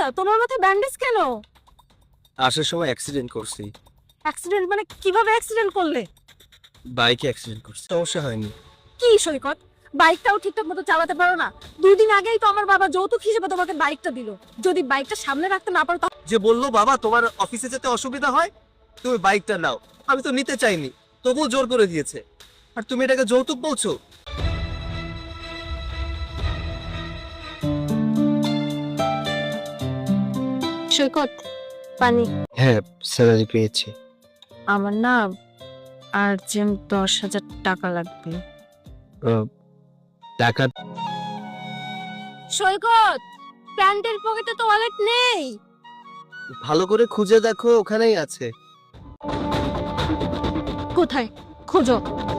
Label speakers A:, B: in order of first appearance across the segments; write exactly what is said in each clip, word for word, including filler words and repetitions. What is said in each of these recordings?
A: তোমার মাথায় ব্যান্ডেজ কেন?
B: আসার সময় অ্যাক্সিডেন্ট করছি।
A: অ্যাক্সিডেন্ট মানে কিভাবে অ্যাক্সিডেন্ট করলে?
B: বাইকে অ্যাক্সিডেন্ট করছি, সমস্যা হয়নি।
A: কি সৈকত, বাইকটাও ঠিকঠাক মতো চালাতে পারো না? দুই দিন আগেই তো আমার বাবা যৌতুক হিসেবে তোমাকে বাইকটা দিল। যদি বাইকটা সামনে রাখতে না পারো
B: যে বললো বাবা তোমার অফিসে যেতে অসুবিধা হয়, তুমি বাইকটা নাও। আমি তো নিতে চাইনি, তবুও জোর করে দিয়েছে। আর তুমি এটাকে যৌতুক বলছো?
A: সৈকত, পানি।
B: হ্যাঁ, স্যালারি পেয়েছি।
A: আমার না আর্জেন্ট দশ হাজার টাকা লাগবে।
B: টাকা?
A: সৈকত, প্যান্টের পকেটে তো ওয়ালেট নেই।
B: ভালো করে খুঁজে দেখো, ওখানেই আছে।
A: কোথায়? খোঁজো।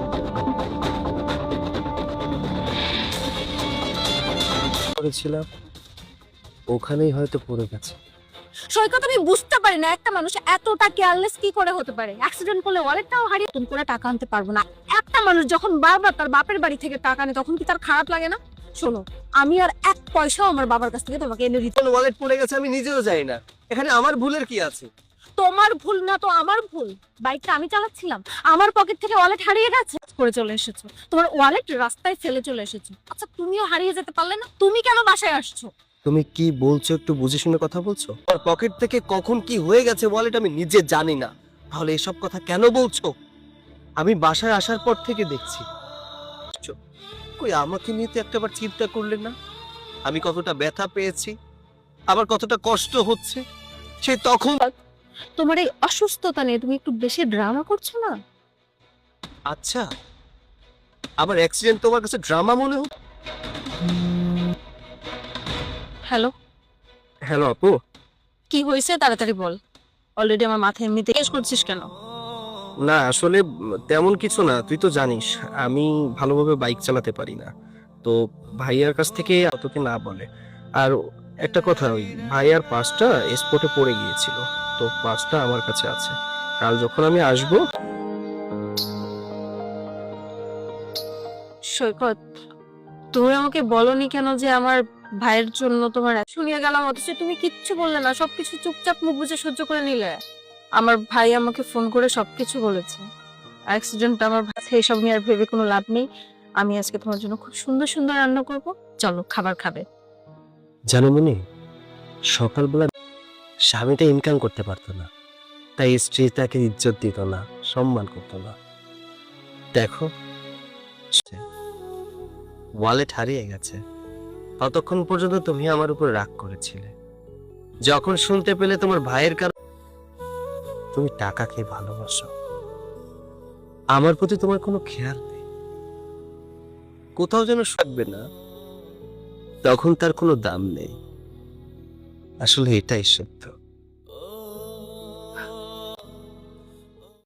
B: করেছিলাম, ওখানেই হয়তো পড়ে গেছে।
A: সৈকত, আমি বুঝতে পারি না একটা মানুষ এতটা কেয়ারলেস কি করে হতে পারে। অ্যাক্সিডেন্ট করলে ওয়ালেটটাও হারিয়ে নতুন করে টাকা আনতে পারবো না। একটা মানুষ যখন বারবার তার বাপের বাড়ি থেকে টাকা নেয় তখন কি তার খারাপ লাগে না? শোনো, আমি আর এক পয়সাও আমার বাবার কাছ থেকে তোমাকে এনে দিতে।
B: কোন ওয়ালেট পড়ে গেছে আমি নিজেও জানি না। এখানে আমার ভুলের কি আছে?
A: তোমার ভুল না তো আমার ভুল। বাইকটা আমি চালাচ্ছিলাম, আমার পকেট থেকে ওয়ালেট হারিয়ে গেছে। করে চলে এসেছো, তোমার ওয়ালেট রাস্তায় ফেলে চলে এসেছো। আচ্ছা, তুমিও হারিয়ে যেতে পারলে না? তুমি কেন বাসায় আসছো?
B: তুমি কি বলছো একটু বুঝে শুনে কথা বলছো? আমার পকেট থেকে কখন কি হয়ে গেছে ওয়ালেট আমি নিজে জানি না, তাহলে এসব কথা কেন বলছো? আমি বাসায় আসার পর থেকে দেখছি। কই আমাকে নিয়ে তো একটাবার চিন্তা করলে না? আমি কতটা ব্যথা পেয়েছি, আবার কতটা কষ্ট হচ্ছে, সেই তখন।
A: তোমার এই অসুস্থতা নিয়ে তুমি একটু বেশি ড্রামা করছো না?
B: আচ্ছা, আবার অ্যাক্সিডেন্ট তোমার কাছে ড্রামা মনে হয়?
A: হ্যালো,
B: হ্যালো আপু।
A: কি হয়েছে তাড়াতাড়ি বল। অলরেডি আমার মাথায় এমনিতে কেস করছিস কেন?
B: না আসলে তেমন কিছু না, তুই তো জানিস আমি ভালোভাবে বাইক চালাতে পারি না। তো ভাইয়ার কাছ থেকে তোকে না বলে। আর একটা কথা, ওই ভাইয়ার পাসটা স্পটে পড়ে গিয়েছিল, তো পাসটা আমার কাছে আছে। কাল যখন আমি আসব।
A: সৈকত, তুমি আমাকে বলনি কেন যে আমার ভাইয়ের জন্য তোমার শুনিয়ে গেলাম, অথচ তুমি কিচ্ছু বললে না, সবকিছু চুপচাপ মুখ বুজে সহ্য করে নিলে। আমার ভাই আমাকে ফোন করে সবকিছু বলেছে। অ্যাক্সিডেন্ট আমার ভাই, এইসব নিয়ে আর ভেবে কোনো লাভ নেই। আমি আজকে তোমার জন্য খুব সুন্দর সুন্দর রান্না করব, চলো খাবার খাবে।
B: জানো মনি, সকালবেলা স্বামীটা ইনকাম করতে পারতো না, তাই স্ত্রী তাকে ইজ্জত দিত না, সম্মান করতো না। দেখো, ওয়ালেট হারিয়ে গেছে। ততক্ষণ পর্যন্ত তুমি আমার উপর রাগ করেছিলে। যখন শুনতে পেলে তোমার ভাইয়ের কারণে তুমি টাকাকে ভালোবাসো, আমার প্রতি তোমার কোনো খেয়াল নেই, কোথাও যেন থাকবে না, তখন তার কোনো দাম নেই। আসলে এটাই সত্য।